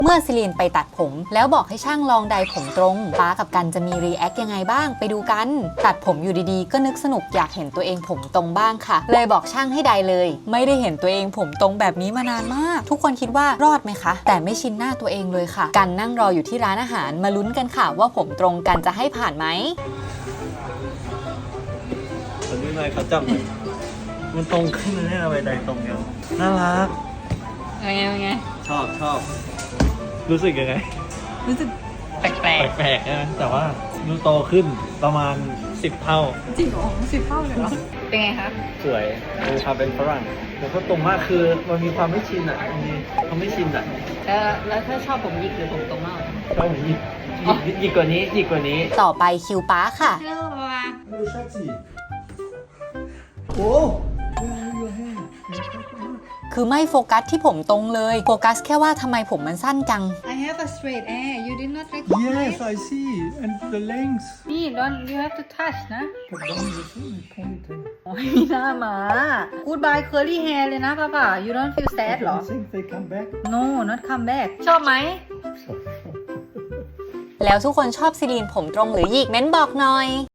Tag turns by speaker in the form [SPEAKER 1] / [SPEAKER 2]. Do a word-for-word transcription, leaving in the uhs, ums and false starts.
[SPEAKER 1] เมื่อซิลีนไปตัดผมแล้วบอกให้ช่างลองไดผมตรงป้ากับกันจะมีรีแอคยังไงบ้างไปดูกันตัดผมอยู่ดีๆก็นึกสนุกอยากเห็นตัวเองผมตรงบ้างค่ะเลยบอกช่างให้ไดเลยไม่ได้เห็นตัวเองผมตรงแบบนี้มานานมากทุกคนคิดว่ารอดไหมคะแต่ไม่ชินหน้าตัวเองเลยค่ะกันนั่งรออยู่ที่ร้านอาหารมาลุ้นกันค่ะว่าผมตรงกันจะให้ผ่านไหม
[SPEAKER 2] คนนี้หน่อยเขาจับมันตรงขึ้นเลยอะไรใดตรงเนี้ยน่ารัก
[SPEAKER 1] ยังไงยังไง
[SPEAKER 2] ชอบชอบรู้สึกยังไง
[SPEAKER 1] รู้สึกแปลก
[SPEAKER 2] แปลกๆนะแต่ว่าดูโตขึ้นประมาณสิบเท่า
[SPEAKER 1] จริงเหรอสิบเท่าเลยเหรอเป็นไงคะ
[SPEAKER 2] สวยดูความเป็นฝรั่งแต่ก็ตรงมากคือมันมีความไม่ชินอ่ะมีความไม่ชินอ่ะ
[SPEAKER 1] แล้วแล้วถ้าชอบผมหยิกหรือผมตรงมาก
[SPEAKER 2] ชอบผมหยิกหยิกหยิกกว่านี้หยิกกว่านี้
[SPEAKER 1] ต่อไปคิวป้าค่ะฮัลโหลโอ้คือไม่โฟกัสที่ผมตรงเลยโฟกัสแค่ว่าทำไมผมมันสั้นจัง
[SPEAKER 3] I have a straight hair you did not recognize
[SPEAKER 2] Yes I see and the length
[SPEAKER 3] นี่ don't you have to touch นะ
[SPEAKER 2] but don't you see my ponytail
[SPEAKER 3] โอ้ยมีหน้าหมา Goodbye curly hair เลยนะป้าป่า you don't feel sad หรอ
[SPEAKER 2] You think they come back
[SPEAKER 3] No not come back ชอบไหม
[SPEAKER 1] แล้วทุกคนชอบซิลีนผมตรงหรือหยิกเม้นบอกหน่อย